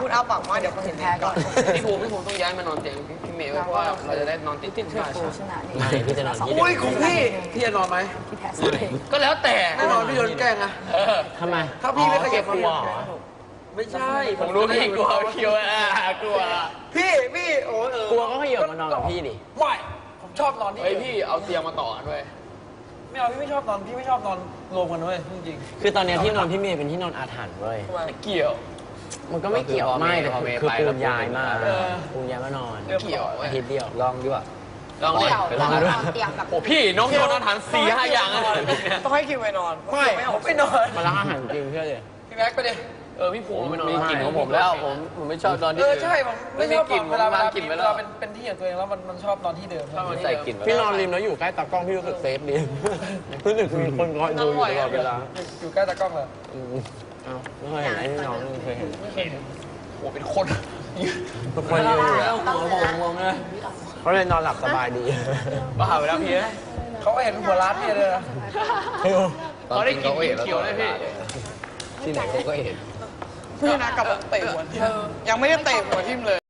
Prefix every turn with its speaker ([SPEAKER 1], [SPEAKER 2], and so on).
[SPEAKER 1] อ้าปากมาเดี๋ยวเขาเห็นแพ้ก่อน
[SPEAKER 2] พี่ภูมิต้องย้ายมานอนเตียงพี่เมย์เพราะว่าเราจะได้นอนติดที่บ้าน
[SPEAKER 3] ไม่พี่จะนอนที่
[SPEAKER 2] อุ้ยของพี่จะนอนไหมก็แล้วแต่แน่นอนพี่โดนแกล้งอะ
[SPEAKER 3] ทำไม
[SPEAKER 2] ถ้าพี่ไม่ขยับ
[SPEAKER 3] กลัว
[SPEAKER 2] ไม่ใช่ผมรู้พี่กลัวคิวกลัวพี่โอ้
[SPEAKER 3] กลัวก็ขยับมานอนกับพี่ดิ
[SPEAKER 2] ไม่ผมชอบนอนที่พี่เอาเตียงมาต่อด้วยไม่เอาพี่ไม่ชอบนอนรวมกันด้วยจริง
[SPEAKER 3] ๆคือตอนนี้ที่นอนพี่เมย์เป็นที่นอนอาถรรพ์เว้ย
[SPEAKER 2] ไม่เกี่ยว
[SPEAKER 3] มันก็ไม่เกี่ยวไม่แต่คือปูนย้ายมาปูนย้ายมานอน
[SPEAKER 2] เกี่ยว
[SPEAKER 3] อาทิตย์เดียว
[SPEAKER 2] ลองดีกว่าลอง
[SPEAKER 3] เลย
[SPEAKER 1] ลองด้วยโอ้
[SPEAKER 2] พี่น้องโยนอาหาร4-5 อย่าง
[SPEAKER 1] ต้องให้คิวไปนอน
[SPEAKER 2] ไม่นอน
[SPEAKER 3] มาล้างอาหารจริงเชื่อเลย
[SPEAKER 2] พี่แม็กไปดิพี่ภูมิ
[SPEAKER 3] มีกลิ่นของผมแล้วผมไม่ชอบนอนที่
[SPEAKER 2] ใช่ผมไม่ชอบกลิ่นเวลาเป็นที่ของตัวเองแล้วมันชอบนอนที่เดิม
[SPEAKER 3] ใส่กลิ่นพี่นอนริมแล้วอยู่ใกล้ตากล้องพี่รู้สึกเซฟดีรู้สึกมีคนคอยดูอยู่ตลอดเวลา
[SPEAKER 2] อยู่ใกล้ตากล้องเลย
[SPEAKER 3] ไม่เคยเห็นไอ้น้องเคยเห็น
[SPEAKER 2] โอ้เป็นคน
[SPEAKER 3] คนยืนอยู่แล้วหัวงงเลยเขาเลยนอนหลับสบายดี
[SPEAKER 2] บ้าไปแล้วพี่เขาเห็นหัวร้านพี่เลยนะเขาได้กินเขียวเลยพี่
[SPEAKER 3] ที่ไหนเขาก็เห็น
[SPEAKER 1] พี่นะกลับเตะหัวทิ่มยังไม่ได้เตะหัวทิ่มเลย